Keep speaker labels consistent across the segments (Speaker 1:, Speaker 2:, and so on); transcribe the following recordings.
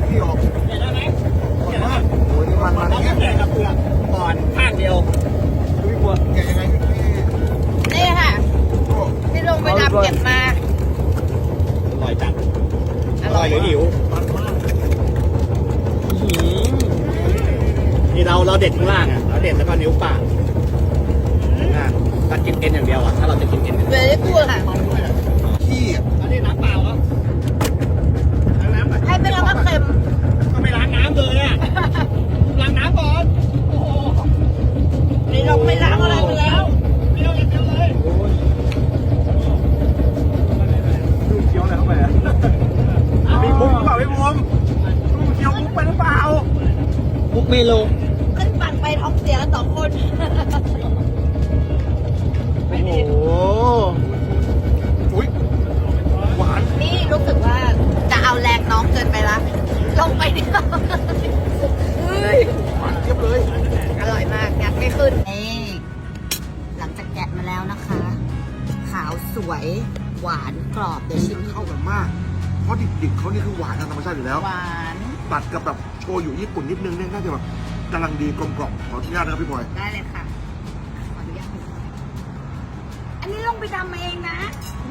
Speaker 1: ที่ออก
Speaker 2: เห็นได้ไหม
Speaker 1: อร่อยมากโอ้ยนี่มัน
Speaker 2: เราต้องแกะกับเปลือกก่อนข้างเดียว
Speaker 1: พี่บัวแกะยังไงพี่
Speaker 3: นี่ค่ะ
Speaker 1: โอ้
Speaker 3: ที่ลงไปดำเก็บมา
Speaker 2: อร่อยจัดอร่อยหรือหิว
Speaker 1: มันมาก
Speaker 2: นี่เราเด็ดข้างล่างอ่ะเราเด็ดแล้วก็นิ้วปากถ้ากินเอ็นอย่างเดียวอ่ะถ้าเราจะกินเอ็น
Speaker 3: เวลี่กูดค่ะ
Speaker 1: มันด้วยอ่ะขี้อ่ะ
Speaker 2: อันนี้น้ำเปล่าครับล้างน้ำก่อน
Speaker 3: ให้เป็นแล้วก็เค็ม
Speaker 2: ก็ไม่ล้างน้ำเลยอ่ะล้างน้ำก่อนโอ้โห
Speaker 3: นี่เราไม่ล้างอะไรไปแล้ว
Speaker 2: เดียวอย่างเดียวเลย
Speaker 1: ดูเคี้ยวอะไรเข้าไปอ่ะมีมุ้งหรือเปล่าพี่มุ้งดูเคี้ยวมุ้งไปหรือเปล่า
Speaker 2: มุกเมโล
Speaker 3: ขึ้นฝั่งไปท้องเสียกัน2 คน
Speaker 1: โอ้โหอุ้ยหวาน
Speaker 3: นี่รู้สึกว่าจะเอาแรงน้องเกินไปละ ลงไปเดียวเฮ้ย
Speaker 1: หวานเทียบเลย
Speaker 3: อร่อยมากงัดไม่ขึ้นนี่หลังจากแกะมาแล้วนะคะ ขาวสวยหวานกรอบเดี๋ยวชิม
Speaker 1: เข้ากันมาก เพราะดิบๆเขานี่คือหวานทางธรรมชาติอยู่แล้ว
Speaker 3: หวาน
Speaker 1: ตัดกับแบบโชยุญี่ปุ่นนิดนึงเนี่ยน่าจะแบบกำลังดีกลมกล่อมขออนุญาตนะครับพี่บอย
Speaker 3: ได้เลยค่ะขออนุญาตอันนี้ลงไปดำมาเองนะ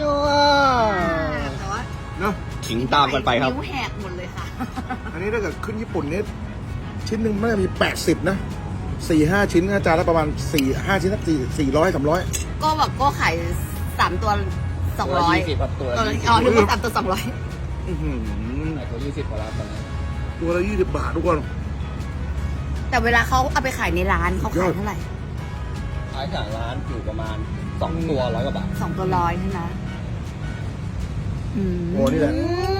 Speaker 3: แต่ว่า
Speaker 1: เนอะ
Speaker 2: ขิงตามกันไปครับ
Speaker 3: นิ้วแหกหมดเลยค่ะ
Speaker 1: อันนี้ถ้าเกิดขึ้นญี่ปุ่นเนี่ยชิ้นหนึ่งมันจะมี80นะ4-5 ชิ้นอาจารย์ละประมาณ4-5 ชิ้นสัก400-300
Speaker 3: โก้บอกโก้ขาย3 ตัว 200
Speaker 2: 20ครับตัว
Speaker 3: ตัวละอ๋อนึกว่า3 ตัว 200
Speaker 1: อื้อหือ
Speaker 2: ตัว20กว่าแล้วตอนนี้
Speaker 1: ตัวละ20 บาททุกคน
Speaker 3: แต่เวลาเขาเอาไปขายในร้านเขาขายเท่าไหร่
Speaker 2: ขายจากร้านอยู่ประมาณ2ตัว100 กว่าบาท
Speaker 3: 2 ตัว100ใช่ไหม
Speaker 1: โอ้นี่แหละ
Speaker 3: อืม